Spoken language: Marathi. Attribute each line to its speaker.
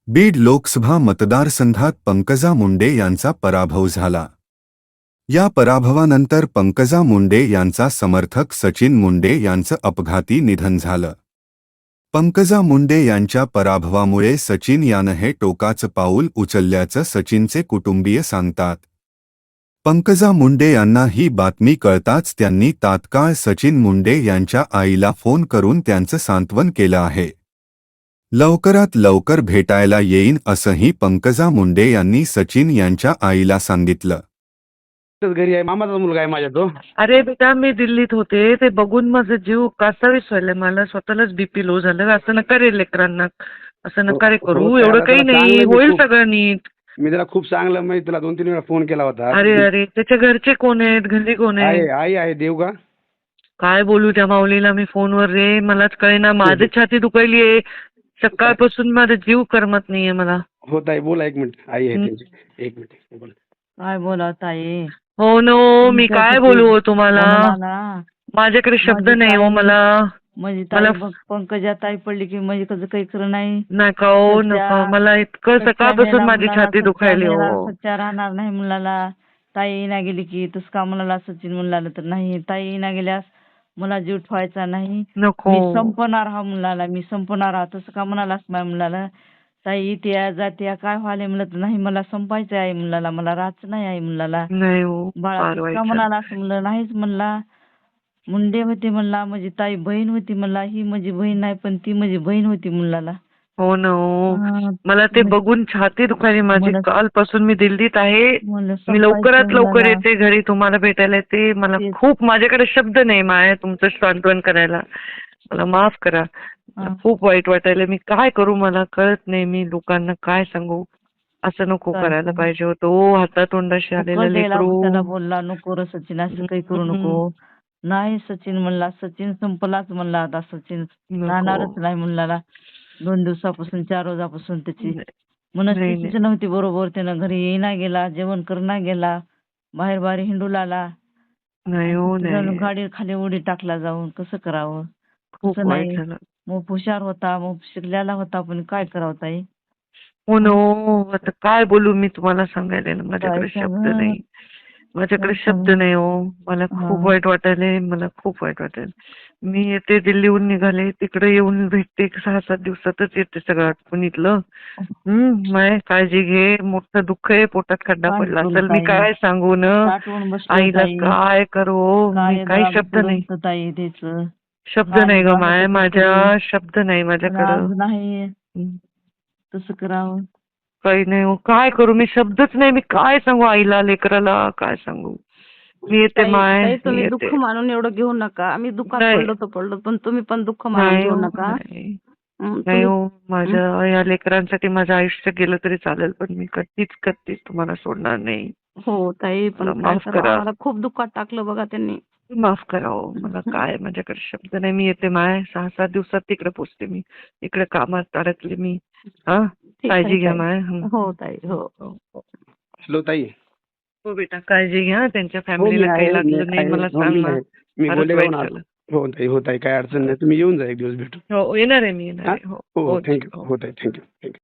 Speaker 1: बीड लोकसभा मतदारसंघात पंकजा मुंडे यांचा पराभव झाला. या पराभवानंतर पंकजा मुंडे यांचा समर्थक सचिन मुंडे यांचं अपघाती निधन झालं. पंकजा मुंडे यांच्या पराभवामुळे सचिन यानं हे टोकाचं पाऊल उचलल्याचं सचिनचे कुटुंबीय सांगतात. पंकजा मुंडे यांना ही बातमी कळताच त्यांनी तात्काळ सचिन मुंडे यांच्या आईला फोन करून त्यांचं सांत्वन केलं आहे. लवकरात लवकर भेटायला येईन असंही पंकजा मुंडे यांनी सचिन यांच्या आईला सांगितलं.
Speaker 2: घरी आहे, मामाचा मुलगा आहे माझ्या तो.
Speaker 3: अरे बेटा, मी दिल्लीत होते, ते बघून माझा जीव कासावीस व्हायला. मला स्वतःलाच बीपी लो झालं. असं नका रे लेकरांना, असं नका रे करू.
Speaker 2: हो,
Speaker 3: एवढं काही
Speaker 2: त्याला
Speaker 3: नाही,
Speaker 2: चांगलं
Speaker 3: होईल
Speaker 2: खूप-
Speaker 3: सगळं नीट.
Speaker 2: मी त्याला खूप चांगलं म्हणजे तुला 2-3 वेळा फोन केला होता.
Speaker 3: अरे अरे, त्याच्या घरचे कोण आहेत, घरी कोण
Speaker 2: आहे
Speaker 3: आहे?
Speaker 2: आई आहे देव का.
Speaker 3: काय बोलू त्या माऊलीला मी फोनवर रे, मलाच कळेना. माझी छाती दुखायलीये सकाळपासून, माझा जीव करमत नाहीये मला.
Speaker 2: होत आहे, बोला 1 मिनिट. आई आहे त्यांची, 1 मिनिट बोला.
Speaker 4: काय बोला ताई.
Speaker 3: हो नो, मी काय बोलू हो तुम्हाला. माझ्याकडे शब्द नाही हो मला.
Speaker 4: म्हणजे ताई बघ, पंकजा ताई पडली की म्हणजे कसं काही खरं नाही.
Speaker 3: नका हो नका, मला इतकं सकाळपासून माझी छाती दुखायली हो.
Speaker 4: सच्चा राहणार नाही मुलाला. ताई ना गेली की तस का मुलाला सचिन मुलाला तर नाही. ताई ना गेल्यास मला जीव ठेवायचा नाही.
Speaker 3: नको.
Speaker 4: मी संपणार हा मुलाला, मी संपणार हा. तसं का म्हणालास माझ्या मुलाला. ताई त्या जात्या काय व्हायला म्हणलं तर नाही, मला संपायचं आहे मुलाला, मला राहायचं नाही आहे मुलाला.
Speaker 3: नाही हो,
Speaker 4: बाळा
Speaker 3: फार
Speaker 4: तसं
Speaker 3: वाईट
Speaker 4: का
Speaker 3: झालं.
Speaker 4: म्हणाला असं म्हणलं नाहीच म्हणला. मुंडे होते म्हणला, माझी ताई बहीण होती म्हणला. ही माझी बहीण नाही पण ती माझी बहीण होती मुलाला.
Speaker 3: हो ना हो,
Speaker 4: हा,
Speaker 3: मला ते बघून छाती दुखायली माझी.
Speaker 4: मला-
Speaker 3: कालपासून मी दिल्लीत आहे.
Speaker 4: म्हणलं
Speaker 3: मी लवकरात
Speaker 4: संपायचं
Speaker 3: लवकर
Speaker 4: मुलाला.
Speaker 3: येते घरी, तुम्हाला भेटायला येते. मला
Speaker 4: तेच.
Speaker 3: खूप, माझ्याकडे शब्द नाही माया तुमचं सांत्वन करायला. मला माफ करा. मला
Speaker 4: हा.
Speaker 3: खूप वाईट वाटायला. मी काय करू मला कळत नाही. मी लोकांना काय सांगू. असं नको
Speaker 4: काय
Speaker 3: करायला
Speaker 4: सांगू?
Speaker 3: पाहिजे होतं हो. हातातोंडाशी आलेलं
Speaker 4: कळलेला
Speaker 3: लेकरू.
Speaker 4: त्याला बोलला, नको रे सचिन असं काही करू नको. नाही सचिन म्हणला, सचिन संपलाच म्हणला. आता सचिन राहणारच नाही मुलाला. 2 दिवसापासून 4 रोजापासून त्याची मनस्थितीच नव्हती बरोबर. त्यानं घरी येईना गेला, जेवण करणा गेला, बाहेर बाहेर हिंडू लागला.
Speaker 3: नाही हो, नाही.
Speaker 4: गाडी खाली उडी टाकला जाऊन. कसं करावं.
Speaker 3: खूप
Speaker 4: असं
Speaker 3: वाईट
Speaker 4: नाही.
Speaker 3: झालं.
Speaker 4: मग हुशार होता, मग शिकलेला होता, पण काय करावं ताई.
Speaker 3: हो ना हो, आता काय बोलू मी तुम्हाला सांगायला ना, माझ्याकडे
Speaker 4: काय
Speaker 3: शब्द
Speaker 4: सांगू?
Speaker 3: नाही. माझ्याकडे
Speaker 4: काय
Speaker 3: शब्द
Speaker 4: सांगू?
Speaker 3: नाही हो. मला खूप वाईट वाटायलंय, मला खूप वाईट वाटेल. मी येते, दिल्लीहून निघाले, तिकडे येऊन भेटते. 6-7 दिवसातच येते सगळं आटपून इथलं. माय काळजी घे. मोठं दुःख आहे, पोटात खड्डा
Speaker 4: काय
Speaker 3: पडला
Speaker 4: करू
Speaker 3: असेल. मी
Speaker 4: ताई?
Speaker 3: काय सांगू न,
Speaker 4: साठवून बसलो
Speaker 3: आईला
Speaker 4: ताई.
Speaker 3: काय करू. मी काही शब्द नाही,
Speaker 4: ताई त्याचं.
Speaker 3: शब्द
Speaker 4: काय
Speaker 3: नाही ग माय,
Speaker 4: करावं
Speaker 3: माझ्या
Speaker 4: करू?
Speaker 3: शब्द नाही
Speaker 4: पण
Speaker 3: माझ्याकडं.
Speaker 4: आज नाही
Speaker 3: हं.
Speaker 4: तसं करावं.
Speaker 3: काही नाही हो, काय करू मी, शब्दच नाही. मी काय सांगू आईला, लेकराला काय सांगू. मी येते माय,
Speaker 5: ताई
Speaker 3: मी
Speaker 5: तुम्ही
Speaker 3: येते.
Speaker 5: दुःख मानून एवढं घेऊ नका. आम्ही दुःखात
Speaker 3: नाही.
Speaker 5: पडलो तर पडलो, पण तुम्ही पण दुःख मानून
Speaker 3: नाही
Speaker 5: घेऊ
Speaker 3: हो,
Speaker 5: नका.
Speaker 3: नाही.
Speaker 5: हं,
Speaker 3: नाही
Speaker 5: तुम्ही-
Speaker 3: हो, माझ्या या लेकरांसाठी माझं आयुष्य गेलं तरी चालेल, पण मी कधीच तुम्हाला सोडणार नाही.
Speaker 5: हो ताई, पण
Speaker 3: मला
Speaker 5: काय
Speaker 3: माफ
Speaker 5: करावं,
Speaker 3: करा.
Speaker 5: आम्हाला खूप दुःखात टाकलं बघा त्यांनी.
Speaker 3: माफ करा हो, मला काय, माझ्याकडे शब्द नाही. मी येते माय, 6-7 दिवसात तिकडे पोचते मी. इकडे कामात अडकले मी. हा,
Speaker 5: ठीक आहे,
Speaker 3: काळजी घ्या
Speaker 5: ताई.
Speaker 3: माय.
Speaker 5: हो ताई, हो.
Speaker 2: हॅलो ताई.
Speaker 3: हो बेटा, काळजी घ्या. त्यांच्या
Speaker 2: हो, मी
Speaker 3: फॅमिलीला काही
Speaker 2: आहे, मी
Speaker 3: लागलं नाही
Speaker 2: आहे.
Speaker 3: मला
Speaker 2: हो,
Speaker 3: सांग
Speaker 2: मी
Speaker 3: ना.
Speaker 2: आहे. मी
Speaker 3: फारच
Speaker 2: बोलले
Speaker 3: वाईट
Speaker 2: ना.
Speaker 3: झालं.
Speaker 2: हो ताई, हो ताई, काय अडचण नाही. तुम्ही येऊन जा एक दिवस भेटू.
Speaker 3: हो, येणार आहे मी, येणार आहे.
Speaker 2: हो
Speaker 3: हो,
Speaker 2: थँक्यू.
Speaker 3: हो.
Speaker 2: हो ताई, थँक्यू.